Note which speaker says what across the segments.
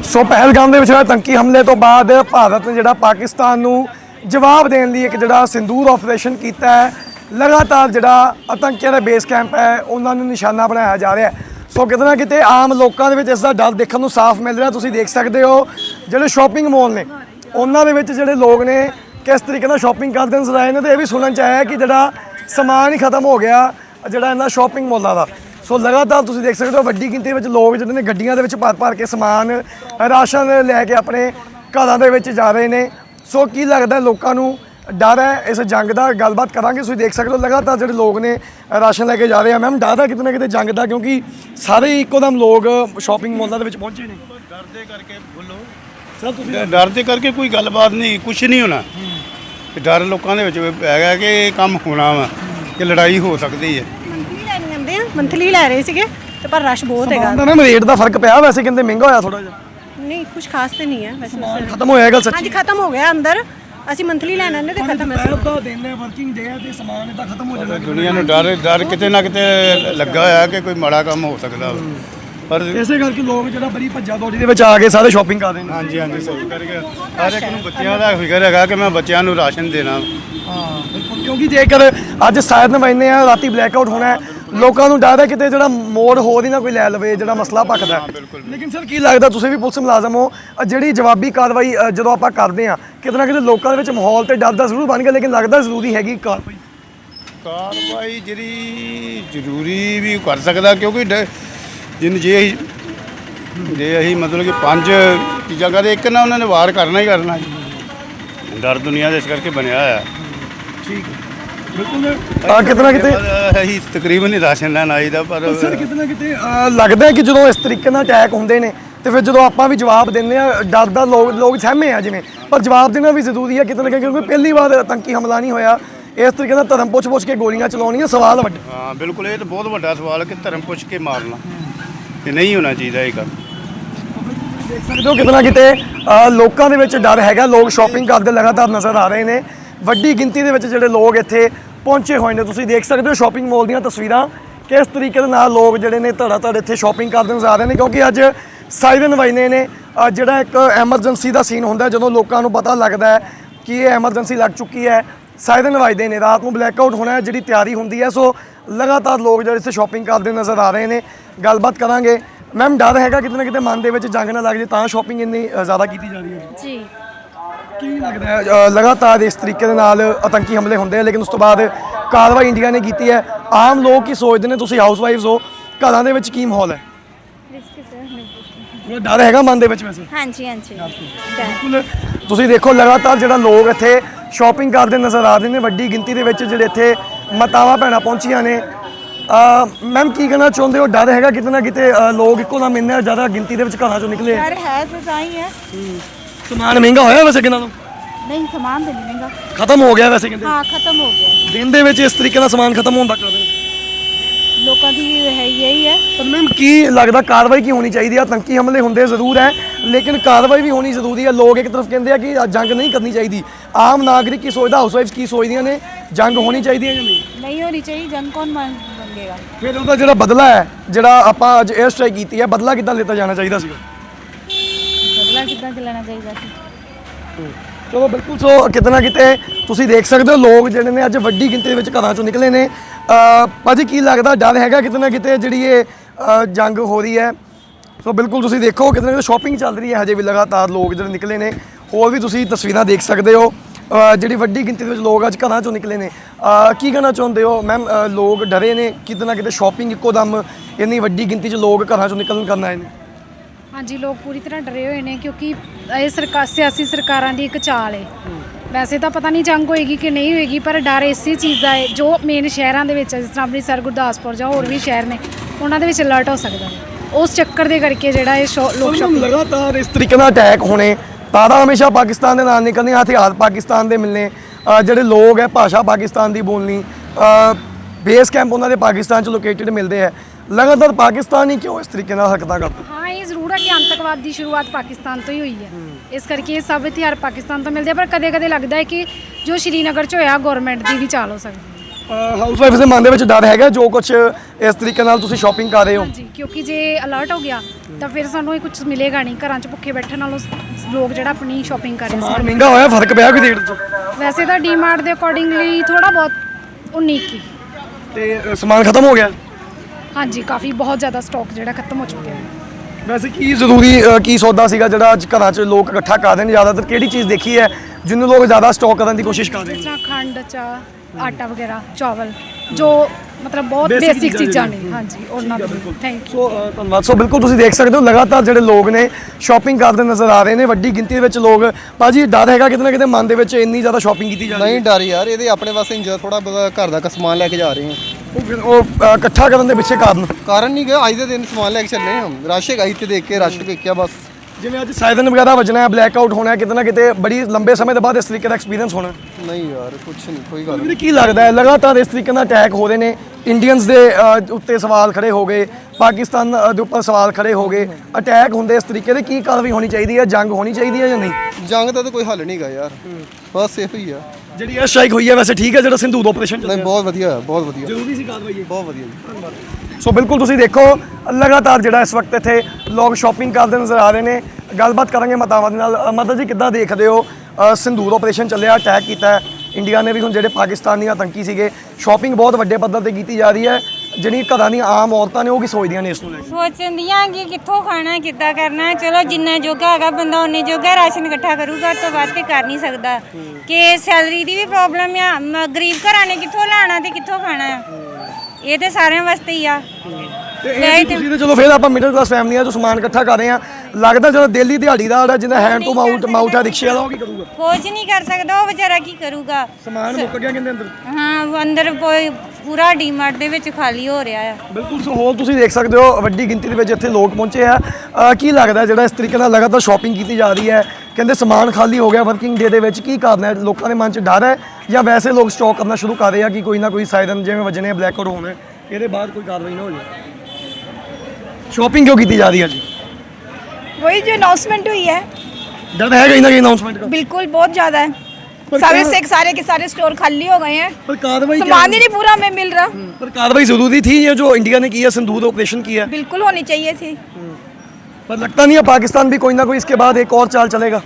Speaker 1: ਸੋ ਪਹਿਲਗਾਮ ਦੇ ਵਿੱਚ ਹੋਏ ਆਤੰਕੀ ਹਮਲੇ ਤੋਂ ਬਾਅਦ ਭਾਰਤ ਨੇ ਜਿਹੜਾ ਪਾਕਿਸਤਾਨ ਨੂੰ ਜਵਾਬ ਦੇਣ ਲਈ ਇੱਕ ਜਿਹੜਾ ਸਿੰਦੂਰ ਆਪਰੇਸ਼ਨ ਕੀਤਾ ਹੈ। ਲਗਾਤਾਰ ਜਿਹੜਾ ਆਤੰਕੀਆਂ ਦਾ ਬੇਸ ਕੈਂਪ ਹੈ ਉਹਨਾਂ ਨੂੰ ਨਿਸ਼ਾਨਾ ਬਣਾਇਆ ਜਾ ਰਿਹਾ ਹੈ। ਸੋ ਕਿਤੇ ਨਾ ਕਿਤੇ ਆਮ ਲੋਕਾਂ ਦੇ ਵਿੱਚ ਇਸ ਦਾ ਡਰ ਦੇਖਣ ਨੂੰ ਸਾਫ਼ ਮਿਲ ਰਿਹਾ। ਤੁਸੀਂ ਦੇਖ ਸਕਦੇ ਹੋ ਜਿਹੜੇ ਸ਼ਾਪਿੰਗ ਮਾਲ ਨੇ ਉਹਨਾਂ ਦੇ ਵਿੱਚ ਜਿਹੜੇ ਲੋਕ ਨੇ ਕਿਸ ਤਰੀਕੇ ਨਾਲ ਸ਼ਾਪਿੰਗ ਕਰਦੇ ਨਜ਼ਰ ਆਏ ਨੇ, ਤੇ ਇਹ ਵੀ ਸੁਣਨ ਚ ਆਇਆ ਕਿ ਜਿਹੜਾ ਸਮਾਨ ਹੀ ਖਤਮ ਹੋ ਗਿਆ ਜਿਹੜਾ ਇਹਨਾਂ ਸ਼ਾਪਿੰਗ ਮਾਲਾਂ ਦਾ। ਸੋ ਲਗਾਤਾਰ ਤੁਸੀਂ ਦੇਖ ਸਕਦੇ ਹੋ ਵੱਡੀ ਗਿਣਤੀ ਵਿੱਚ ਲੋਕ ਜਿਹੜੇ ਨੇ ਗੱਡੀਆਂ ਦੇ ਵਿੱਚ ਭਰ ਕੇ ਸਮਾਨ ਰਾਸ਼ਨ ਲੈ ਕੇ ਆਪਣੇ ਘਰਾਂ ਦੇ ਵਿੱਚ ਜਾ ਰਹੇ ਨੇ। ਸੋ ਕੀ ਲੱਗਦਾ ਲੋਕਾਂ ਨੂੰ ਡਰ ਹੈ ਇਸ ਜੰਗ ਦਾ? ਗੱਲਬਾਤ ਕਰਾਂਗੇ। ਤੁਸੀਂ ਦੇਖ ਸਕਦੇ ਹੋ ਲਗਾਤਾਰ ਜਿਹੜੇ ਲੋਕ ਨੇ ਰਾਸ਼ਨ ਲੈ ਕੇ ਜਾ ਰਹੇ ਆ। ਮੈਮ ਡਰ ਹੈ ਕਿਤੇ ਨਾ ਕਿਤੇ ਜੰਗ ਦਾ, ਕਿਉਂਕਿ ਸਾਰੇ ਹੀ ਇੱਕੋ ਦਮ ਲੋਕ ਸ਼ਾਪਿੰਗ ਮਾਲਾਂ ਦੇ ਵਿੱਚ ਪਹੁੰਚੇ ਨੇ।
Speaker 2: ਡਰਦੇ ਕਰਕੇ ਬੋਲੋ ਸਰ, ਤੁਸੀਂ ਡਰਦੇ ਕਰਕੇ ਕੋਈ ਗੱਲਬਾਤ ਨਹੀਂ, ਕੁਝ ਨਹੀਂ ਹੋਣਾ। ਡਰ ਲੋਕਾਂ ਦੇ ਵਿੱਚ ਹੈਗਾ ਕਿ ਇਹ ਕੰਮ ਹੋਣਾ ਵਾ, ਕਿ ਲੜਾਈ ਹੋ ਸਕਦੀ ਹੈ।
Speaker 3: ਮੰਥਲੀ ਲੈ ਰਹੇ ਸੀਗੇ ਤੇ ਪਰ ਰਸ਼ ਬਹੁਤ ਹੈਗਾ।
Speaker 1: ਨਾ ਰੇਟ ਦਾ ਫਰਕ ਪਿਆ, ਵੈਸੇ ਕਹਿੰਦੇ ਮਹਿੰਗਾ ਹੋਇਆ ਥੋੜਾ ਜਿਹਾ।
Speaker 3: ਨਹੀਂ ਕੁਝ ਖਾਸ ਤੇ ਨਹੀਂ ਹੈ ਵੈਸੇ।
Speaker 1: ਖਤਮ ਹੋਇਆ ਗੱਲ ਸੱਚੀ?
Speaker 3: ਹਾਂਜੀ ਖਤਮ ਹੋ ਗਿਆ ਅੰਦਰ। ਅਸੀਂ ਮੰਥਲੀ ਲੈਣਾ ਨੇ ਤੇ ਖਤਮ ਹੈ।
Speaker 1: ਤਾਂ ਦਿਨ ਨੇ ਵਰਕਿੰਗ ਡੇ ਤੇ ਸਮਾਨ ਇਹਦਾ ਖਤਮ ਹੋ ਜਾਣਾ।
Speaker 2: ਦੁਨੀਆ ਨੂੰ ਡਰ ਕਿਤੇ ਨਾ ਕਿਤੇ ਲੱਗਾ ਹੋਇਆ ਕਿ ਕੋਈ ਮਾੜਾ ਕੰਮ ਹੋ ਸਕਦਾ ਵਾ। ਪਰ
Speaker 1: ਇਸੇ ਕਰਕੇ ਲੋਕ ਜਿਹੜਾ ਬੜੀ ਭੱਜਾ ਦੌੜੀ ਦੇ ਵਿੱਚ ਆ ਕੇ ਸਾਰੇ ਸ਼ਾਪਿੰਗ ਕਰਦੇ ਨੇ।
Speaker 2: ਹਾਂਜੀ ਹਾਂਜੀ ਸੋਚ ਕਰਕੇ ਹਰ ਇੱਕ ਨੂੰ ਬੱਚਿਆਂ ਦਾ ਫਿਕਰ ਹੈਗਾ ਕਿ ਮੈਂ ਬੱਚਿਆਂ ਨੂੰ ਰਾਸ਼ਨ ਦੇਣਾ।
Speaker 1: ਹਾਂ ਬਿਲਕੁਲ, ਕਿਉਂਕਿ ਜੇਕਰ ਅੱਜ ਸ਼ਾਇਦ ਨਵਾਈਨੇ ਆ ਰਾਤੀ ਬਲੈਕ ਆਊਟ ਹੋਣਾ, ਲੋਕਾਂ ਨੂੰ ਡਰ ਹੈ ਕਿਤੇ ਜਿਹੜਾ ਮੋੜ ਹੋਰ ਹੀ ਨਾ ਕੋਈ ਲੈ ਲਵੇ, ਜਿਹੜਾ ਮਸਲਾ ਭਖਦਾ। ਲੇਕਿਨ ਸਰ ਕੀ ਲੱਗਦਾ, ਤੁਸੀਂ ਵੀ ਪੁਲਿਸ ਮੁਲਾਜ਼ਮ ਹੋ, ਜਿਹੜੀ ਜਵਾਬੀ ਕਾਰਵਾਈ ਜਦੋਂ ਆਪਾਂ ਕਰਦੇ ਆ ਕਿਤੇ ਨਾ ਕਿਤੇ ਲੋਕਾਂ ਦੇ ਵਿੱਚ ਮਾਹੌਲ ਤੇ ਡਰ ਦਾ ਜ਼ਰੂਰ ਬਣ ਗਿਆ, ਲੇਕਿਨ ਲੱਗਦਾ ਜ਼ਰੂਰੀ ਹੈਗੀ
Speaker 2: ਕਾਰਵਾਈ ਜਿਹੜੀ ਜ਼ਰੂਰੀ ਵੀ ਕਰ ਸਕਦਾ, ਕਿਉਂਕਿ ਜੇ ਅਸੀਂ ਮਤਲਬ ਕਿ 5 ਚੀਜ਼ਾਂ ਕਰਦੇ ਇੱਕ ਨਾ ਉਹਨਾਂ ਨੇ ਵਾਰ ਕਰਨਾ ਹੀ ਕਰਨਾ। ਡਰ ਦੁਨੀਆ ਦੇ ਇਸ ਕਰਕੇ ਬਣਿਆ ਹੋਇਆ।
Speaker 1: ਠੀਕ ਬਿਲਕੁਲ। ਕਿਤੇ ਨਾ ਕਿਤੇ
Speaker 2: ਅਸੀਂ ਤਕਰੀਬਨ ਹੀ ਰਾਸ਼ਨ ਲੈਣ ਆਈਦਾ, ਪਰ
Speaker 1: ਸਰ ਕਿਤੇ ਨਾ ਕਿਤੇ ਲੱਗਦਾ ਕਿ ਜਦੋਂ ਇਸ ਤਰੀਕੇ ਨਾਲ ਅਟੈਕ ਹੁੰਦੇ ਨੇ ਤੇ ਫਿਰ ਜਦੋਂ ਆਪਾਂ ਵੀ ਜਵਾਬ ਦਿੰਦੇ ਆ, ਡਰ ਦਾ ਲੋਕ ਸਹਿਮੇ ਆ ਜਿਵੇਂ, ਪਰ ਜਵਾਬ ਦੇਣਾ ਵੀ ਜ਼ਰੂਰੀ ਹੈ ਕਿਤੇ ਨਾ ਕਿਤੇ, ਕਿਉਂਕਿ ਪਹਿਲੀ ਵਾਰ ਆਤੰਕੀ ਹਮਲਾ ਨਹੀਂ ਹੋਇਆ। ਇਸ ਤਰੀਕੇ ਨਾਲ ਧਰਮ ਪੁੱਛ ਕੇ ਗੋਲੀਆਂ ਚਲਾਉਣੀਆਂ ਸਵਾਲ ਵੱਡਾ।
Speaker 2: ਹਾਂ ਬਿਲਕੁਲ, ਇਹ ਤਾਂ ਬਹੁਤ ਵੱਡਾ ਸਵਾਲ ਹੈ ਕਿ ਧਰਮ ਪੁੱਛ ਕੇ ਮਾਰਨਾ ਇਹ ਨਹੀਂ ਹੋਣਾ ਚਾਹੀਦਾ। ਇਹ ਕੰਮ
Speaker 1: ਦੇਖ ਸਕਦੇ ਹੋ ਕਿਤੇ ਨਾ ਕਿਤੇ ਲੋਕਾਂ ਦੇ ਵਿੱਚ ਡਰ ਹੈਗਾ। ਲੋਕ ਸ਼ਾਪਿੰਗ ਕਰਦੇ ਲਗਾਤਾਰ ਨਜ਼ਰ ਆ ਰਹੇ ਨੇ। ਵੱਡੀ ਗਿਣਤੀ ਦੇ ਵਿੱਚ ਜਿਹੜੇ ਲੋਕ ਇੱਥੇ ਪਹੁੰਚੇ ਹੋਏ ਨੇ। ਤੁਸੀਂ ਦੇਖ ਸਕਦੇ ਹੋ ਸ਼ਾਪਿੰਗ ਮਾਲ ਦੀਆਂ ਤਸਵੀਰਾਂ, ਕਿਸ ਤਰੀਕੇ ਦੇ ਨਾਲ ਲੋਕ ਜਿਹੜੇ ਨੇ ਧੜ ਇੱਥੇ ਸ਼ਾਪਿੰਗ ਕਰਦੇ ਨਜ਼ਰ ਆ ਰਹੇ ਨੇ, ਕਿਉਂਕਿ ਅੱਜ ਸਾਇਰਨ ਵਜਨੇ ਨੇ। ਜਿਹੜਾ ਇੱਕ ਐਮਰਜੈਂਸੀ ਦਾ ਸੀਨ ਹੁੰਦਾ ਜਦੋਂ ਲੋਕਾਂ ਨੂੰ ਪਤਾ ਲੱਗਦਾ ਹੈ ਕਿ ਇਹ ਐਮਰਜੈਂਸੀ ਲੱਗ ਚੁੱਕੀ ਹੈ, ਸਾਇਰਨ ਵੱਜਦੇ ਨੇ, ਰਾਤ ਨੂੰ ਬਲੈਕ ਆਊਟ ਹੋਣਾ ਜਿਹੜੀ ਤਿਆਰੀ ਹੁੰਦੀ ਹੈ। ਸੋ ਲਗਾਤਾਰ ਲੋਕ ਜਿਹੜੇ ਇੱਥੇ ਸ਼ਾਪਿੰਗ ਕਰਦੇ ਨਜ਼ਰ ਆ ਰਹੇ ਨੇ। ਗੱਲਬਾਤ ਕਰਾਂਗੇ। ਮੈਮ ਡਰ ਹੈਗਾ ਕਿਤੇ ਨਾ ਕਿਤੇ ਮਨ ਦੇ ਵਿੱਚ ਜੰਗ ਨਾ ਲੱਗ ਜੇ ਤਾਂ ਸ਼ਾਪਿੰਗ ਇੰਨੀ ਜ਼ਿਆਦਾ ਕੀਤੀ ਜਾ ਰਹੀ ਹੈ
Speaker 3: ਜੀ?
Speaker 1: ਕੀ ਲੱਗਦਾ ਹੈ ਲਗਾਤਾਰ ਇਸ ਤਰੀਕੇ ਦੇ ਨਾਲ ਆਤੰਕੀ ਹਮਲੇ ਹੁੰਦੇ ਆ, ਲੇਕਿਨ ਉਸ ਤੋਂ ਬਾਅਦ ਕਾਰਵਾਈ ਇੰਡੀਆ ਨੇ ਕੀਤੀ ਹੈ। ਆਮ ਲੋਕ ਕੀ ਸੋਚਦੇ ਨੇ? ਤੁਸੀਂ ਹਾਊਸ ਵਾਈਫਸ ਹੋ, ਘਰਾਂ ਦੇ ਵਿੱਚ ਕੀ ਮਾਹੌਲ ਹੈ? ਡਰ ਹੈਗਾ ਮਨ ਦੇ ਵਿੱਚ ਵੈਸੇ?
Speaker 3: ਹਾਂਜੀ ਹਾਂਜੀ
Speaker 1: ਬਿਲਕੁਲ। ਤੁਸੀਂ ਦੇਖੋ ਲਗਾਤਾਰ ਜਿਹੜਾ ਲੋਕ ਇੱਥੇ ਸ਼ਾਪਿੰਗ ਕਰਦੇ ਨਜ਼ਰ ਆ ਰਹੇ ਨੇ। ਵੱਡੀ ਗਿਣਤੀ ਦੇ ਵਿੱਚ ਜਿਹੜੇ ਇੱਥੇ ਮਾਤਾਵਾਂ ਭੈਣਾਂ ਪਹੁੰਚੀਆਂ ਨੇ। ਮੈਮ ਕੀ ਕਹਿਣਾ ਚਾਹੁੰਦੇ ਹੋ? ਡਰ ਹੈਗਾ ਕਿਤੇ ਨਾ ਕਿਤੇ ਲੋਕ ਇੱਕੋ ਦਮ ਇੰਨੇ ਜ਼ਿਆਦਾ ਗਿਣਤੀ ਦੇ ਵਿੱਚ ਘਰਾਂ ਚੋਂ ਨਿਕਲੇ?
Speaker 3: ਡਰ ਹੈ ਤਾਂ ਹੀ ਹੈ।
Speaker 1: ਸਮਾਨ ਮਹਿੰਗਾ ਹੋਇਆ ਵੈਸੇ ਕਿਨਾਂ ਨੂੰ?
Speaker 3: ਨਹੀਂ ਸਮਾਨ ਤਾਂ ਨਹੀਂ ਮਹਿੰਗਾ,
Speaker 1: ਖਤਮ ਹੋ ਗਿਆ ਵੈਸੇ ਕਹਿੰਦੇ।
Speaker 3: ਹਾਂ ਖਤਮ ਹੋ ਗਿਆ।
Speaker 1: ਦਿਨ ਦੇ ਵਿੱਚ ਇਸ ਤਰੀਕੇ ਦਾ ਸਮਾਨ ਖਤਮ ਹੋਣ ਦਾ ਕਾਰਨ
Speaker 3: ਲੋਕਾਂ ਦੀ ਹੈ ਯਹੀ ਹੈ।
Speaker 1: ਪਰ ਮੈਮ ਕੀ ਲੱਗਦਾ ਕਾਰਵਾਈ ਕੀ ਹੋਣੀ ਚਾਹੀਦੀ ਹੈ? ਆਤੰਕੀ ਹਮਲੇ ਹੁੰਦੇ ਜ਼ਰੂਰ ਹੈ, ਲੇਕਿਨ ਕਾਰਵਾਈ ਵੀ ਹੋਣੀ ਜ਼ਰੂਰੀ ਹੈ। ਲੋਕ ਇੱਕ ਤਰਫ ਕਹਿੰਦੇ ਆ ਕਿ ਜੰਗ ਨਹੀਂ ਕਰਨੀ ਚਾਹੀਦੀ। ਆਮ ਨਾਗਰਿਕ ਕੀ ਸੋਚਦਾ, ਹਾਊਸ ਵਾਈਫ ਕੀ ਸੋਚਦੀਆਂ ਨੇ, ਜੰਗ ਹੋਣੀ ਚਾਹੀਦੀ ਹੈ ਜਾਂ ਨਹੀਂ?
Speaker 3: ਨਹੀਂ ਹੋਣੀ ਚਾਹੀਦੀ। ਜੰਗ ਕੌਣ ਮੰਗੇਗਾ?
Speaker 1: ਫਿਰ ਉਹਦਾ ਜਿਹੜਾ ਬਦਲਾ ਹੈ, ਜਿਹੜਾ ਆਪਾਂ ਅੱਜ 에ਅਰ ਸਟ੍ਰਾਈਕ ਕੀਤੀ ਹੈ, ਬਦਲਾ ਕਿੱਦਾਂ ਲਿੱਤਾ ਜਾਣਾ ਚਾਹੀਦਾ ਸੀ?
Speaker 3: ਬਦਲਾ ਕਿੱਦਾਂ ਲੈਣਾ ਚਾਹੀਦਾ ਸੀ?
Speaker 1: ਚਲੋ ਬਿਲਕੁਲ। ਸੋ ਕਿਤੇ ਨਾ ਕਿਤੇ ਤੁਸੀਂ ਦੇਖ ਸਕਦੇ ਹੋ ਲੋਕ ਜਿਹੜੇ ਨੇ ਅੱਜ ਵੱਡੀ ਗਿਣਤੀ ਦੇ ਵਿੱਚ ਘਰਾਂ ਚੋਂ ਨਿਕਲੇ ਨੇ। ਭਾਜੀ ਕੀ ਲੱਗਦਾ ਡਰ ਹੈਗਾ ਕਿਤੇ ਨਾ ਕਿਤੇ ਜਿਹੜੀ ਇਹ ਜੰਗ ਹੋ ਰਹੀ ਹੈ? ਸੋ ਬਿਲਕੁਲ ਤੁਸੀਂ ਦੇਖੋ ਕਿਤੇ ਨਾ ਕਿਤੇ ਸ਼ਾਪਿੰਗ ਚੱਲ ਰਹੀ ਹੈ ਹਜੇ ਵੀ ਲਗਾਤਾਰ। ਲੋਕ ਜਿਹੜੇ ਨਿਕਲੇ ਨੇ, ਹੋਰ ਵੀ ਤੁਸੀਂ ਤਸਵੀਰਾਂ ਦੇਖ ਸਕਦੇ ਹੋ। ਜਿਹੜੀ ਵੱਡੀ ਗਿਣਤੀ ਦੇ ਵਿੱਚ ਲੋਕ ਅੱਜ ਘਰਾਂ ਚੋਂ ਨਿਕਲੇ ਨੇ। ਕੀ ਕਹਿਣਾ ਚਾਹੁੰਦੇ ਹੋ ਮੈਮ? ਲੋਕ ਡਰੇ ਨੇ ਕਿਤੇ ਨਾ ਕਿਤੇ, ਸ਼ਾਪਿੰਗ ਇੱਕੋ ਦਮ ਇੰਨੀ ਵੱਡੀ ਗਿਣਤੀ 'ਚ ਲੋਕ ਘਰਾਂ ਚੋਂ ਨਿਕਲਣ ਕਰਨ ਆਏ ਨੇ।
Speaker 4: ਹਾਂਜੀ ਲੋਕ ਪੂਰੀ ਤਰ੍ਹਾਂ ਡਰੇ ਹੋਏ ਨੇ, ਕਿਉਂਕਿ ਇਹ ਸਿਆਸੀ ਸਰਕਾਰਾਂ ਦੀ ਇੱਕ ਚਾਲ ਹੈ। ਵੈਸੇ ਤਾਂ ਪਤਾ ਨਹੀਂ ਜੰਗ ਹੋਏਗੀ ਕਿ ਨਹੀਂ ਹੋਏਗੀ, ਪਰ ਡਰ ਇਸੇ ਚੀਜ਼ ਦਾ ਹੈ ਜੋ ਮੇਨ ਸ਼ਹਿਰਾਂ ਦੇ ਵਿੱਚ ਜਿਸ ਤਰ੍ਹਾਂ ਅੰਮ੍ਰਿਤਸਰ, ਗੁਰਦਾਸਪੁਰ ਜਾਂ ਹੋਰ ਵੀ ਸ਼ਹਿਰ ਨੇ, ਉਹਨਾਂ ਦੇ ਵਿੱਚ ਅਲਰਟ ਹੋ ਸਕਦਾ ਹੈ। ਉਸ ਚੱਕਰ ਦੇ ਕਰਕੇ ਜਿਹੜਾ ਇਹ ਲੋਕ
Speaker 1: ਲਗਾਤਾਰ ਇਸ ਤਰੀਕੇ ਨਾਲ ਅਟੈਕ ਹੋਣੇ, ਤਾਰਾ ਹਮੇਸ਼ਾ ਪਾਕਿਸਤਾਨ ਦੇ ਨਾਲ ਨਿਕਲਣੇ, ਹਥਿਆਰ ਪਾਕਿਸਤਾਨ ਦੇ ਮਿਲਣੇ, ਜਿਹੜੇ ਲੋਕ ਹੈ ਭਾਸ਼ਾ ਪਾਕਿਸਤਾਨ ਦੀ ਬੋਲਣੀ, ਬੇਸ ਕੈਂਪ ਉਹਨਾਂ ਦੇ ਪਾਕਿਸਤਾਨ 'ਚ ਲੋਕੇਟਡ ਮਿਲਦੇ ਹੈ। ਲਗਾਤਾਰ ਪਾਕਿਸਤਾਨ ਹੀ ਕਿਉਂ ਇਸ ਤਰੀਕੇ ਨਾਲ ਹਰਕਤਾਂ ਕਰਦਾ?
Speaker 4: ਹਾਂ ਇਹ ਜ਼ਰੂਰ ਹੈ ਕਿ ਅੰਤਕਵਾਦ ਦੀ ਸ਼ੁਰੂਆਤ ਪਾਕਿਸਤਾਨ ਤੋਂ ਹੀ ਹੋਈ ਹੈ, ਇਸ ਕਰਕੇ ਇਹ ਸਭ ਹਥਿਆਰ ਪਾਕਿਸਤਾਨ ਤੋਂ ਮਿਲਦੇ ਆ। ਪਰ ਕਦੇ ਕਦੇ ਲੱਗਦਾ ਹੈ ਕਿ ਜੋ ਸ਼੍ਰੀਨਗਰ 'ਚ ਹੋਇਆ ਗੌਰਮੈਂਟ ਦੀ ਵੀ ਚਾਲ ਹੋ ਸਕਦੀ ਹੈ।
Speaker 1: ਹਾਊਸ ਵਾਈਫ ਦੇ ਮਨ ਦੇ ਵਿੱਚ ਡਰ ਹੈਗਾ ਜੋ ਕੁਝ ਇਸ ਤਰੀਕੇ ਨਾਲ ਤੁਸੀਂ ਸ਼ਾਪਿੰਗ ਕਰ ਰਹੇ ਹੋ?
Speaker 4: ਹਾਂਜੀ, ਕਿਉਂਕਿ ਜੇ ਅਲਰਟ ਹੋ ਗਿਆ ਤਾਂ ਫਿਰ ਸਾਨੂੰ ਇਹ ਕੁਝ ਮਿਲੇਗਾ ਨਹੀਂ। ਘਰਾਂ 'ਚ ਭੁੱਖੇ ਬੈਠਣ ਨਾਲੋਂ ਲੋਕ ਜਿਹੜਾ ਆਪਣੀ ਸ਼ਾਪਿੰਗ ਕਰ ਰਹੇ
Speaker 1: ਸਮਾਨ
Speaker 4: ਸੀ।
Speaker 1: ਮਹਿੰਗਾ ਹੋਇਆ, ਫਰਕ ਪਿਆ ਕੋਈ ਰੇਟ 'ਚ?
Speaker 4: ਵੈਸੇ ਤਾਂ ਡੀਮਾਰਟ ਦੇ ਅਕੋਰਡਿੰਗਲੀ ਥੋੜਾ ਬਹੁਤ 19
Speaker 1: ਤੇ ਸਮਾਨ ਖਤਮ ਹੋ ਗਿਆ?
Speaker 4: ਹਾਂਜੀ, ਕਾਫੀ ਬਹੁਤ ਜ਼ਿਆਦਾ ਸਟਾਕ ਜਿਹੜਾ ਖਤਮ ਹੋ ਚੁੱਕਿਆ ਹੈ।
Speaker 1: ਵੈਸੇ ਕੀ ਜ਼ਰੂਰੀ ਕੀ ਸੌਦਾ ਸੀਗਾ ਜਿਹੜਾ ਅੱਜ ਘਰਾਂ 'ਚ ਲੋਕ ਇਕੱਠਾ ਕਰਦੇ ਨੇ? ਜ਼ਿਆਦਾਤਰ ਕਿਹੜੀ ਚੀਜ਼ ਦੇਖੀ ਹੈ ਜਿਹਨੂੰ ਲੋਕ ਜ਼ਿਆਦਾ ਸਟਾਕ ਕਰਨ ਦੀ ਕੋਸ਼ਿਸ਼ ਕਰਦੇ
Speaker 4: ਜਿਸ
Speaker 1: ਨੇ?
Speaker 4: ਤਰ੍ਹਾਂ ਖੰਡ, ਚਾਹ, ਆਟਾ ਵਗੈਰਾ, ਚਾਵਲ, ਜੋ ਮਤਲਬ ਬਹੁਤ
Speaker 1: Basic
Speaker 4: ਬੇਸਿਕ
Speaker 1: ਚੀਜ਼ਾਂ
Speaker 4: ਚੀਜ਼ਾਂ ਨੇ।
Speaker 1: ਜਿਹੜੀਆਂ।
Speaker 4: ਹਾਂਜੀ, ਉਹਨਾਂ ਦੇ ਥੈਂਕ ਯੂ।
Speaker 1: ਸੋ ਧੰਨਵਾਦ। ਸੋ ਬਿਲਕੁਲ ਤੁਸੀਂ ਦੇਖ ਸਕਦੇ ਹੋ ਲਗਾਤਾਰ ਜਿਹੜੇ ਲੋਕ ਨੇ ਸ਼ਾਪਿੰਗ ਕਰਦੇ ਨਜ਼ਰ ਆ ਰਹੇ ਨੇ, ਵੱਡੀ ਗਿਣਤੀ ਦੇ ਵਿੱਚ ਲੋਕ। ਭਾਜੀ ਡਰ ਹੈਗਾ ਕਿਤੇ ਨਾ ਕਿਤੇ ਮਨ ਦੇ ਵਿੱਚ ਇੰਨੀ ਜ਼ਿਆਦਾ ਸ਼ਾਪਿੰਗ ਕੀਤੀ ਜਾ ਰਹੀ
Speaker 5: ਨਹੀਂ ਡਰ ਯਾਰ, ਇਹਦੇ ਆਪਣੇ ਵਾਸਤੇ ਇੰਜੋਏ ਥੋੜਾ ਬਹੁਤਾ ਘਰ ਦਾ ਸਮਾਨ ਲੈ ਕੇ ਜਾ ਰਹੇ ਹਾਂ।
Speaker 1: ਉਹ ਇਕੱਠਾ ਕਰਨ ਦੇ ਪਿੱਛੇ
Speaker 5: ਕਾਰਨ ਨਹੀਂ ਗਿਆ, ਅੱਜ ਦੇ ਦਿਨ ਸਮਾਨ ਲੈ ਕੇ ਚੱਲੇ ਹਾਂ। ਰਸ਼ ਹੈਗਾ ਇੱਥੇ, ਦੇਖ ਕੇ ਰਸ਼ ਵੇਖਿਆ ਬਸ।
Speaker 1: ਜਿਵੇਂ ਅੱਜ ਸਾਇਰਨ ਵਗੈਰਾ ਵੱਜਣਾ ਹੈ, ਬਲੈਕ ਆਊਟ ਹੋਣਾ ਹੈ, ਕਿਤੇ ਨਾ ਕਿਤੇ ਬੜੀ ਲੰਬੇ ਸਮੇਂ ਤੋਂ ਬਾਅਦ ਇਸ ਤਰੀਕੇ ਦਾ ਐਕਸਪੀਰੀਅੰਸ ਹੋਣਾ।
Speaker 5: ਨਹੀਂ ਯਾਰ ਕੁਛ ਨਹੀਂ, ਕੋਈ ਗੱਲ
Speaker 1: ਵੀਰੇ ਕੀ ਲੱਗਦਾ ਹੈ ਲਗਾਤਾਰ ਇਸ ਤਰੀਕੇ ਨਾਲ ਅਟੈਕ ਹੋ ਰਹੇ ਨੇ, ਇੰਡੀਅਨਸ ਦੇ ਉੱਤੇ ਸਵਾਲ ਖੜੇ ਹੋ ਗਏ, ਪਾਕਿਸਤਾਨ ਦੇ ਉੱਪਰ ਸਵਾਲ ਖੜੇ ਹੋ ਗਏ, ਅਟੈਕ ਹੁੰਦੇ ਇਸ ਤਰੀਕੇ ਦੇ, ਕੀ ਕਾਰਵਾਈ ਹੋਣੀ ਚਾਹੀਦੀ ਹੈ? ਜੰਗ ਹੋਣੀ ਚਾਹੀਦੀ ਹੈ ਜਾਂ ਨਹੀਂ?
Speaker 5: ਨਹੀਂ। ਜੰਗ ਦਾ ਤਾਂ ਕੋਈ ਹੱਲ ਨਹੀਂ ਗਾ ਯਾਰ, ਬਸ ਇਹੋ ਹੀ ਆ।
Speaker 1: ਜਿਹੜੀ ਇਹ ਸਟ੍ਰਾਈਕ ਹੋਈ ਹੈ ਵੈਸੇ ਠੀਕ ਹੈ, ਜਿਹੜਾ ਸਿੰਧੂਰ ਆਪਰੇਸ਼ਨ
Speaker 5: ਨਹੀਂ ਬਹੁਤ ਵਧੀਆ ਹੋਇਆ, ਬਹੁਤ ਵਧੀਆ,
Speaker 1: ਜ਼ਰੂਰੀ ਸੀ ਕਾਰਵਾਈ ਇਹ?
Speaker 5: ਬਹੁਤ ਵਧੀਆ ਜੀ।
Speaker 1: ਸੋ ਬਿਲਕੁਲ ਤੁਸੀਂ ਦੇਖੋ ਲਗਾਤਾਰ ਜਿਹੜਾ ਇਸ ਵਕਤ ਇੱਥੇ ਲੋਕ ਸ਼ਾਪਿੰਗ ਕਰਦੇ ਨਜ਼ਰ ਆ ਰਹੇ ਨੇ। ਗੱਲਬਾਤ ਕਰਾਂਗੇ ਮਾਤਾਵਾਂ ਦੇ ਨਾਲ। ਮਾਤਾ ਜੀ ਕਿੱਦਾਂ ਦੇਖਦੇ ਹੋ ਸਿੰਧੂਰ ਆਪਰੇਸ਼ਨ ਚੱਲਿਆ, ਅਟੈਕ ਕੀਤਾ ਹੈ ਇੰਡੀਆ ਨੇ ਵੀ, ਹੁਣ ਜਿਹੜੇ ਪਾਕਿਸਤਾਨੀ ਆਤੰਕੀ ਸੀਗੇ, ਸ਼ਾਪਿੰਗ ਬਹੁਤ ਵੱਡੇ ਪੱਧਰ ਤੇ ਕੀਤੀ ਜਾ ਰਹੀ ਹੈ, ਜਿਹੜੀ ਘਰਾਂ ਦੀਆਂ ਆਮ ਔਰਤਾਂ ਨੇ ਉਹ ਕੀ ਸੋਚਦੀਆਂ ਨੇ ਇਸ ਨੂੰ ਲੈ ਕੇ?
Speaker 6: ਸੋਚਦੀਆਂ ਕਿ ਕਿੱਥੋਂ ਖਾਣਾ, ਕਿੱਦਾਂ ਕਰਨਾ। ਚਲੋ ਜਿੰਨਾ ਜੋਗਾ ਹੈਗਾ ਬੰਦਾ ਉਨੇ ਜੋਗਾ ਰਾਸ਼ਨ ਇਕੱਠਾ ਕਰੂਗਾ, ਉਸ ਤੋਂ ਵੱਧ ਤੇ ਕਰ ਨਹੀਂ ਸਕਦਾ। ਕਿ ਸੈਲਰੀ ਦੀ ਵੀ ਪ੍ਰੋਬਲਮ ਆ, ਗਰੀਬ ਘਰਾਂ ਨੇ ਕਿੱਥੋਂ ਲੈਣਾ ਤੇ ਕਿੱਥੋਂ ਖਾਣਾ ਆ। ਇਹ ਤੇ ਸਾਰਿਆਂ ਵਾਸਤੇ ਹੀ ਆ।
Speaker 1: ਤੁਸੀਂ ਤੇ ਚਲੋ ਫਿਰ ਆਪਾਂ ਮਿਡਲ ਕਲਾਸ ਫੈਮਲੀਆਂ ਤੋਂ ਸਮਾਨ ਇਕੱਠਾ ਕਰ ਰਹੇ ਆ, ਲੱਗਦਾ ਜਦੋਂ ਦਿੱਲੀ ਦਿਹਾੜੀਦਾਰ ਜਿਹਦਾ ਹੈਂਡ ਤੋਂ ਮਾਊਟ ਆ ਰਿਕਸ਼ੇ ਵਾਲਾ, ਉਹ ਕੀ ਕਰੂਗਾ?
Speaker 6: ਕੁਝ ਨਹੀਂ ਕਰ ਸਕਦਾ ਉਹ ਵਿਚਾਰਾ, ਕੀ ਕਰੂਗਾ।
Speaker 1: ਸਮਾਨ ਮੁੱਕ ਗਿਆ ਕਹਿੰਦੇ ਅੰਦਰ।
Speaker 6: ਹਾਂ, ਉਹ ਅੰਦਰ ਪੂਰਾ ਡੀਮਾਰਟ ਦੇ ਵਿੱਚ ਖਾਲੀ ਹੋ ਰਿਹਾ ਆ।
Speaker 1: ਬਿਲਕੁਲ। ਸੋ ਹੋਰ ਤੁਸੀਂ ਦੇਖ ਸਕਦੇ ਹੋ ਵੱਡੀ ਗਿਣਤੀ ਦੇ ਵਿੱਚ ਇੱਥੇ ਲੋਕ ਪਹੁੰਚੇ ਆ। ਕੀ ਲੱਗਦਾ ਜਿਹੜਾ ਇਸ ਤਰੀਕੇ ਨਾਲ ਲਗਾਤਾਰ ਸ਼ਾਪਿੰਗ ਕੀਤੀ ਜਾ ਰਹੀ ਹੈ, ਕਹਿੰਦੇ ਸਮਾਨ ਖਾਲੀ ਹੋ ਗਿਆ ਵਰਕਿੰਗ ਡੇ ਦੇ ਵਿੱਚ, ਕੀ ਕਾਰਨ ਹੈ? ਲੋਕਾਂ ਦੇ ਮਨ 'ਚ ਡਰ ਹੈ ਜਾਂ ਵੈਸੇ ਲੋਕ ਸਟਾਕ ਕਰਨਾ ਸ਼ੁਰੂ ਕਰ ਰਹੇ ਆ ਕਿ ਕੋਈ ਨਾ ਕੋਈ ਸਾਇਰਨ ਜਿਵੇਂ ਵੱਜਣੇ, ਬਲੈਕ ਆਊਟ ਹੋਣਾ, ਇਹਦੇ ਬਾਅਦ ਕੋਈ ਕਾਰਵਾਈ ਨਾ ਹੋ ਜਾਏ? शॉपिंग क्यों की जा रही है जी?
Speaker 7: वही जो अनाउंसमेंट हुई है।
Speaker 1: डर है कहीं ना कहीं अनाउंसमेंट का?
Speaker 7: बिल्कुल, बहुत ज्यादा है। सारे के सारे स्टोर खाली हो गए हैं,
Speaker 1: पर कार्रवाई
Speaker 7: सामान ही नहीं पूरा हमें मिल रहा।
Speaker 1: पर कार्रवाई जरूरी थी ये जो इंडिया ने की है, सिंदूर ऑपरेशन किया,
Speaker 7: बिल्कुल होनी चाहिए थी।
Speaker 1: पर लगता नहीं है पाकिस्तान भी कोई ना कोई इसके बाद एक और चाल चलेगा।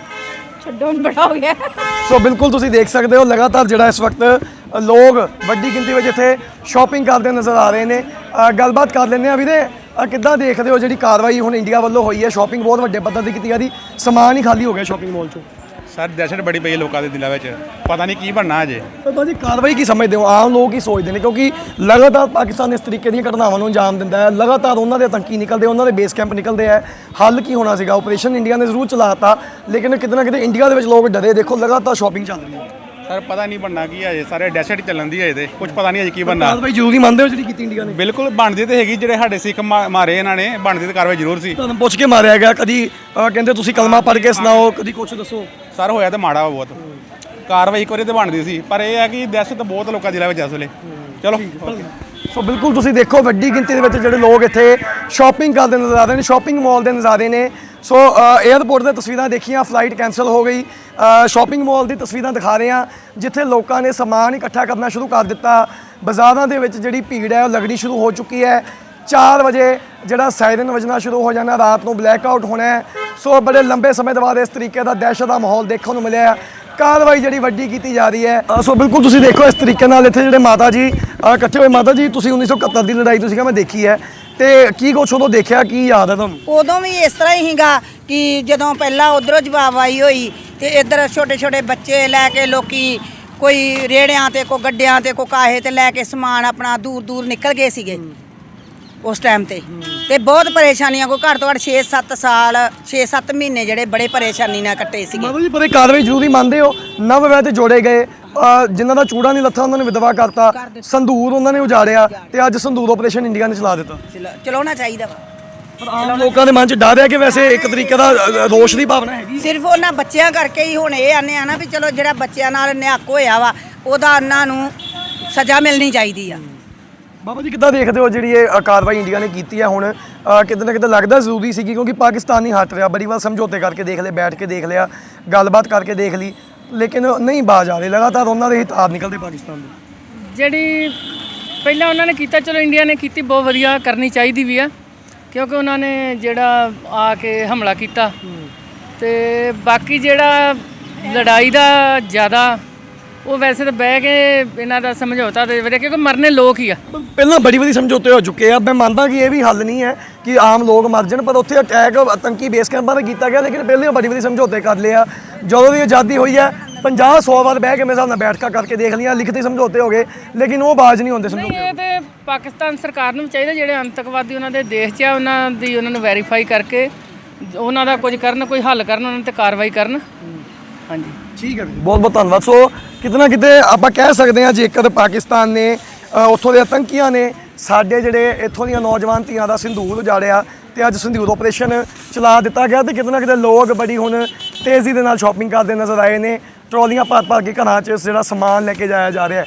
Speaker 7: शटडाउन बड़ा हो गया।
Speaker 1: सो बिल्कुल तुसी देख सकते हो लगातार ਜਿਹੜਾ ਇਸ ਵਕਤ ਲੋਕ ਵੱਡੀ ਗਿਣਤੀ ਵਿੱਚ ਇੱਥੇ ਸ਼ਾਪਿੰਗ ਕਰਦੇ ਨਜ਼ਰ ਆ ਰਹੇ ਨੇ। ਗੱਲਬਾਤ ਕਰ ਲੈਂਦੇ ਆ ਵੀਰੇ, ਕਿੱਦਾਂ ਦੇਖਦੇ ਹੋ ਜਿਹੜੀ ਕਾਰਵਾਈ ਹੁਣ ਇੰਡੀਆ ਵੱਲੋਂ ਹੋਈ ਹੈ? ਸ਼ਾਪਿੰਗ ਬਹੁਤ ਵੱਡੇ ਪੱਧਰ ਤੇ ਕੀਤੀ ਜਾ ਰਹੀ, ਸਮਾਨ ਹੀ ਖਾਲੀ ਹੋ ਗਿਆ ਸ਼ਾਪਿੰਗ ਮਾਲ ਚੋਂ।
Speaker 8: ਸਰ ਦਹਿਸ਼ਤ ਬੜੀ ਪਈ ਹੈ ਲੋਕਾਂ ਦੇ ਦਿਲਾਂ ਵਿੱਚ, ਪਤਾ ਨਹੀਂ ਕੀ ਬਣਨਾ ਅਜੇ।
Speaker 1: ਪਰ ਬਾਜੀ ਕਾਰਵਾਈ ਕੀ ਸਮਝਦੇ ਹੋ? ਆਮ ਲੋਕ ਹੀ ਸੋਚਦੇ ਨੇ ਕਿਉਂਕਿ ਲਗਾਤਾਰ ਪਾਕਿਸਤਾਨ ਇਸ ਤਰੀਕੇ ਦੀਆਂ ਘਟਨਾਵਾਂ ਨੂੰ ਅੰਜਾਮ ਦਿੰਦਾ ਹੈ, ਲਗਾਤਾਰ ਉਹਨਾਂ ਦੇ ਆਤੰਕੀ ਨਿਕਲਦੇ, ਉਹਨਾਂ ਦੇ ਬੇਸ ਕੈਂਪ ਨਿਕਲਦੇ ਆ। ਹੱਲ ਕੀ ਹੋਣਾ ਸੀਗਾ? ਆਪਰੇਸ਼ਨ ਇੰਡੀਆ ਨੇ ਜ਼ਰੂਰ ਚਲਾਤਾ, ਲੇਕਿਨ ਕਿਤੇ ਨਾ ਕਿਤੇ ਇੰਡੀਆ ਦੇ ਵਿੱਚ ਲੋਕ ਡਰੇ। ਦੇਖੋ ਲਗਾਤਾਰ ਸ਼ਾਪਿੰਗ ਚੱਲ ਰਹੀ ਹੈ।
Speaker 8: ਸਰ ਪਤਾ ਨਹੀਂ ਬਣਨਾ ਕੀ ਅਜੇ, ਸਾਰੇ ਦਹਿਸ਼ਤ ਚੱਲਣ ਦੀ ਅਜੇ, ਤੇ ਕੁਝ ਪਤਾ ਨਹੀਂ ਅਜੇ ਕੀ ਬਣਨਾ।
Speaker 1: ਕਾਰਵਾਈ ਜ਼ਰੂਰੀ ਮੰਨਦੇ ਹੋ ਜਿਹੜੀ ਕੀਤੀ ਇੰਡੀਆ ਨੇ?
Speaker 8: ਬਿਲਕੁਲ ਬਣਦੀ ਤੇ ਹੈਗੀ, ਜਿਹੜੇ ਸਾਡੇ ਸਿੱਖ ਮਾਰੇ ਇਹਨਾਂ ਨੇ, ਬਣਦੀ ਤੇ ਕਾਰਵਾਈ ਜ਼ਰੂਰ ਸੀ।
Speaker 1: ਤੁਹਾਨੂੰ ਪੁੱਛ ਕੇ ਮਾਰਿਆ ਗਿਆ, ਕਦੀ ਕਹਿੰਦੇ ਤੁਸੀਂ ਕਲਮਾ ਪੜ੍ਹ ਕੇ ਸੁਣਾਓ, ਕਦੀ ਕੁਛ ਦੱਸੋ।
Speaker 8: ਸਰ ਹੋਇਆ ਤਾਂ ਮਾੜਾ ਬਹੁਤ, ਕਾਰਵਾਈ ਇੱਕ ਵਾਰੀ ਤੇ ਬਣਦੀ ਸੀ, ਪਰ ਇਹ ਹੈ ਕਿ ਦਹਿਸ਼ਤ ਬਹੁਤ ਲੋਕਾਂ ਦਿਲਾਂ ਵਿੱਚ ਇਸ ਵੇਲੇ। ਚਲੋ
Speaker 1: ਸੋ ਬਿਲਕੁਲ ਤੁਸੀਂ ਦੇਖੋ ਵੱਡੀ ਗਿਣਤੀ ਦੇ ਵਿੱਚ ਜਿਹੜੇ ਲੋਕ ਇੱਥੇ ਸ਼ਾਪਿੰਗ ਕਰਦੇ ਨਜ਼ਰ ਆ ਰਹੇ ਨੇ, ਸ਼ਾਪਿੰਗ ਮਾਲ ਦੇ ਨਜ਼ਾਰੇ ਨੇ। ਸੋ 에ਅਰਪੋਰਟ ਦੀਆਂ ਤਸਵੀਰਾਂ ਦੇਖੀਆਂ, ਫਲਾਈਟ ਕੈਂਸਲ ਹੋ ਗਈ। ਸ਼ਾਪਿੰਗ ਮਾਲ ਦੀ ਤਸਵੀਰਾਂ ਦਿਖਾ ਰਹੇ ਹਾਂ ਜਿੱਥੇ ਲੋਕਾਂ ਨੇ ਸਮਾਨ ਇਕੱਠਾ ਕਰਨਾ ਸ਼ੁਰੂ ਕਰ ਦਿੱਤਾ। ਬਾਜ਼ਾਰਾਂ ਦੇ ਵਿੱਚ ਜਿਹੜੀ ਭੀੜ ਹੈ ਉਹ ਲੱਗਣੀ ਸ਼ੁਰੂ ਹੋ ਚੁੱਕੀ ਹੈ। 4 ਵਜੇ ਜਿਹੜਾ ਸਾਇਰਨ ਵੱਜਣਾ ਸ਼ੁਰੂ ਹੋ ਜਾਣਾ, ਰਾਤ ਨੂੰ ਬਲੈਕ ਆਊਟ ਹੋਣਾ ਹੈ। ਸੋ ਬੜੇ ਲੰਬੇ ਸਮੇਂ ਤੋਂ ਬਾਅਦ ਇਸ ਤਰੀਕੇ ਦਾ ਦਹਿਸ਼ਤ ਦਾ ਮਾਹੌਲ ਦੇਖਣ ਨੂੰ ਮਿਲਿਆ। ਕਾਰਵਾਈ ਜਿਹੜੀ ਵੱਡੀ ਕੀਤੀ ਜਾ ਰਹੀ ਹੈ। ਸੋ ਬਿਲਕੁਲ ਤੁਸੀਂ ਦੇਖੋ ਇਸ ਤਰੀਕੇ ਨਾਲ ਇੱਥੇ ਜਿਹੜੇ ਮਾਤਾ ਜੀ ਇਕੱਠੇ ਹੋਏ। ਮਾਤਾ ਜੀ ਤੁਸੀਂ 1971 ਦੀ ਲੜਾਈ ਤੁਸੀਂ ਮੈਂ ਦੇਖੀ ਹੈ, ਤੇ ਕੀ ਕੁਛ ਉਦੋਂ ਦੇਖਿਆ, ਕੀ ਯਾਦ ਹੈ ਤੁਹਾਨੂੰ?
Speaker 9: ਉਦੋਂ ਵੀ ਇਸ ਤਰ੍ਹਾਂ ਹੀ ਸੀਗਾ ਕਿ ਜਦੋਂ ਪਹਿਲਾਂ ਉਧਰੋਂ ਜਵਾਬਾਈ ਹੋਈ ਤੇ ਇੱਧਰ ਛੋਟੇ ਛੋਟੇ ਬੱਚੇ ਲੈ ਕੇ ਲੋਕੀ ਕੋਈ ਰੇੜਿਆਂ ਤੇ ਕੋਈ ਗੱਡਿਆਂ ਤੇ ਕੋਈ ਕਾਹੇ ਤੇ ਲੈ ਕੇ ਸਮਾਨ ਆਪਣਾ ਦੂਰ ਦੂਰ ਨਿਕਲ ਗਏ ਸੀਗੇ ਉਸ ਟਾਈਮ ਤੇ ਬਹੁਤ ਪਰੇਸ਼ਾਨੀਆਂ, ਕੋਈ ਘੱਟ ਤੋਂ ਘੱਟ 6-7 ਸਾਲ 6-7 ਮਹੀਨੇ ਜਿਹੜੇ ਬੜੇ ਪਰੇਸ਼ਾਨੀ ਨਾਲ ਕੱਟੇ ਸੀਗੇ।
Speaker 1: ਮਾਤਾ ਜੀ ਪਰ ਇਹ ਕਾਰਵਾਈ ਜ਼ਰੂਰੀ ਮੰਨਦੇ ਹੋ? ਨਵ ਵਿਆਹ ਤੇ ਜੋੜੇ ਗਏ, ਜਿਨ੍ਹਾਂ ਦਾ ਚੂੜਾ ਨਹੀਂ ਲੱਥਾ ਉਹਨਾਂ ਨੇ ਵਿਧਵਾ ਕਰਤਾ, ਸੰਧੂਰ ਉਹਨਾਂ ਨੇ ਉਜਾੜਿਆ, ਤੇ ਅੱਜ ਸੰਧੂਰ ਆਪਰੇਸ਼ਨ ਇੰਡੀਆ ਨੇ ਚਲਾ ਦਿੱਤਾ।
Speaker 9: ਚਲਾਉਣਾ ਚਾਹੀਦਾ ਵਾ,
Speaker 1: ਪਰ ਆਮ ਲੋਕਾਂ ਦੇ ਮਨ 'ਚ ਡਰ ਹੈ ਕਿ ਵੈਸੇ ਇੱਕ ਤਰੀਕੇ ਦਾ ਰੋਸ਼ ਦੀ ਭਾਵਨਾ ਹੈਗੀ।
Speaker 9: ਸਿਰਫ ਉਹਨਾਂ ਬੱਚਿਆਂ ਕਰਕੇ ਹੀ ਹੁਣ ਇਹ ਆਨੇ ਆ ਨਾ ਵੀ ਚਲੋ ਜਿਹੜਾ ਬੱਚਿਆਂ ਨਾਲ ਨਿਹੱਕ ਹੋਇਆ ਵਾ ਉਹਦਾ ਉਹਨਾਂ ਨੂੰ ਸਜ਼ਾ ਮਿਲਣੀ ਚਾਹੀਦੀ ਆ।
Speaker 1: ਬਾਬਾ ਜੀ ਕਿੱਦਾਂ ਦੇਖਦੇ ਹੋ ਜਿਹੜੀ ਇਹ ਕਾਰਵਾਈ ਇੰਡੀਆ ਨੇ ਕੀਤੀ ਹੈ? ਹੁਣ ਕਿਤੇ ਨਾ ਕਿਤੇ ਲੱਗਦਾ ਜ਼ਰੂਰੀ ਸੀਗੀ ਕਿਉਂਕਿ ਪਾਕਿਸਤਾਨ ਨਹੀਂ ਹਟ ਰਿਹਾ, ਬੜੀ ਵਾਰ ਸਮਝੌਤੇ ਕਰਕੇ ਦੇਖ ਲਏ, ਬੈਠ ਕੇ ਦੇਖ ਲਿਆ, ਗੱਲਬਾਤ ਕਰਕੇ ਦੇਖ ਲਈ, ਲੇਕਿਨ ਨਹੀਂ ਬਾਜ਼ ਆ ਰਹੇ, ਲਗਾਤਾਰ ਉਹਨਾਂ ਦੇ ਹੀ ਤਾਰ ਨਿਕਲਦੇ ਪਾਕਿਸਤਾਨ ਦੇ।
Speaker 10: ਜਿਹੜੀ ਪਹਿਲਾਂ ਉਹਨਾਂ ਨੇ ਕੀਤਾ, ਚਲੋ ਇੰਡੀਆ ਨੇ ਕੀਤੀ, ਬਹੁਤ ਵਧੀਆ ਕਰਨੀ ਚਾਹੀਦੀ ਵੀ ਆ, ਕਿਉਂਕਿ ਉਹਨਾਂ ਨੇ ਜਿਹੜਾ ਆ ਕੇ ਹਮਲਾ ਕੀਤਾ ਤੇ ਬਾਕੀ ਜਿਹੜਾ ਲੜਾਈ ਦਾ ਜ਼ਿਆਦਾ ਉਹ ਵੈਸੇ ਤਾਂ ਬਹਿ ਕੇ ਇਹਨਾਂ ਦਾ ਸਮਝੌਤਾ ਦੇ ਵਧੀਆ, ਕਿਉਂਕਿ ਮਰਨੇ ਲੋਕ ਹੀ ਆ।
Speaker 1: ਪਹਿਲਾਂ ਬੜੀ ਵਾਰੀ ਸਮਝੌਤੇ ਹੋ ਚੁੱਕੇ ਆ, ਮੈਂ ਮੰਨਦਾ ਕਿ ਇਹ ਵੀ ਹੱਲ ਨਹੀਂ ਹੈ ਕਿ ਆਮ ਲੋਕ ਮਰ ਜਾਣ, ਪਰ ਉੱਥੇ ਅਟੈਕ ਆਤੰਕੀ ਬੇਸ ਕੈਂਪਾਂ 'ਤੇ ਕੀਤਾ ਗਿਆ, ਲੇਕਿਨ ਪਹਿਲਾਂ ਬੜੀ ਵਾਰੀ ਸਮਝੌਤੇ ਕਰ ਲਿਆ। ਜਦੋਂ ਦੀ ਆਜ਼ਾਦੀ ਹੋਈ ਹੈ 50-100 ਵਾਰ ਬਹਿ ਕੇ ਮੇਰੇ ਹਿਸਾਬ ਨਾਲ ਬੈਠਕਾਂ ਕਰਕੇ ਦੇਖ ਲਈਆਂ, ਲਿਖਤੀ ਸਮਝੌਤੇ ਹੋ ਗਏ, ਲੇਕਿਨ ਉਹ ਬਾਜ਼ ਨਹੀਂ ਹੁੰਦੇ
Speaker 10: ਨਹੀਂ,
Speaker 1: ਸਮਝੌਤੇ।
Speaker 10: ਇਹ ਤੇ ਪਾਕਿਸਤਾਨ ਸਰਕਾਰ ਨੂੰ ਵੀ ਚਾਹੀਦਾ, ਜਿਹੜੇ ਅੰਤਕਵਾਦੀ ਉਹਨਾਂ ਦੇ ਦੇਸ਼ 'ਚ ਆ ਉਹਨਾਂ ਨੂੰ ਵੈਰੀਫਾਈ ਕਰਕੇ ਉਹਨਾਂ ਦਾ ਕੁਝ ਕਰਨ, ਕੋਈ ਹੱਲ ਕਰਨ, ਉਹਨਾਂ 'ਤੇ ਕਾਰਵਾਈ ਕਰਨ। ਹਾਂਜੀ,
Speaker 1: ਠੀਕ ਹੈ ਜੀ, ਬਹੁਤ ਬਹੁਤ ਧੰਨਵਾਦ। ਸੋ ਕਿਤੇ ਨਾ ਕਿਤੇ ਆਪਾਂ ਕਹਿ ਸਕਦੇ ਹਾਂ, ਜੇਕਰ ਪਾਕਿਸਤਾਨ ਨੇ ਉੱਥੋਂ ਦੇ ਆਤੰਕੀਆਂ ਨੇ ਸਾਡੇ ਜਿਹੜੇ ਇੱਥੋਂ ਦੀਆਂ ਨੌਜਵਾਨ ਧੀਆਂ ਦਾ ਸਿੰਧੂਰ ਉਜਾੜਿਆ ਤੇ ਅੱਜ ਸਿੰਧੂਰ ਆਪਰੇਸ਼ਨ ਚਲਾ ਦਿੱਤਾ ਗਿਆ, ਤੇ ਕਿਤੇ ਨਾ ਕਿਤੇ ਲੋਕ ਬੜੀ ਹੁਣ ਤੇਜ਼ੀ ਦੇ ਨਾਲ ਸ਼ਾਪਿੰਗ ਕਰਦੇ ਨਜ਼ਰ ਆਏ ਨੇ। ਟਰਾਲੀਆਂ ਭਰ ਭਰ ਕੇ ਘਰਾਂ 'ਚ ਜਿਹੜਾ ਸਮਾਨ ਲੈ ਕੇ ਜਾਇਆ ਜਾ ਰਿਹਾ ਹੈ।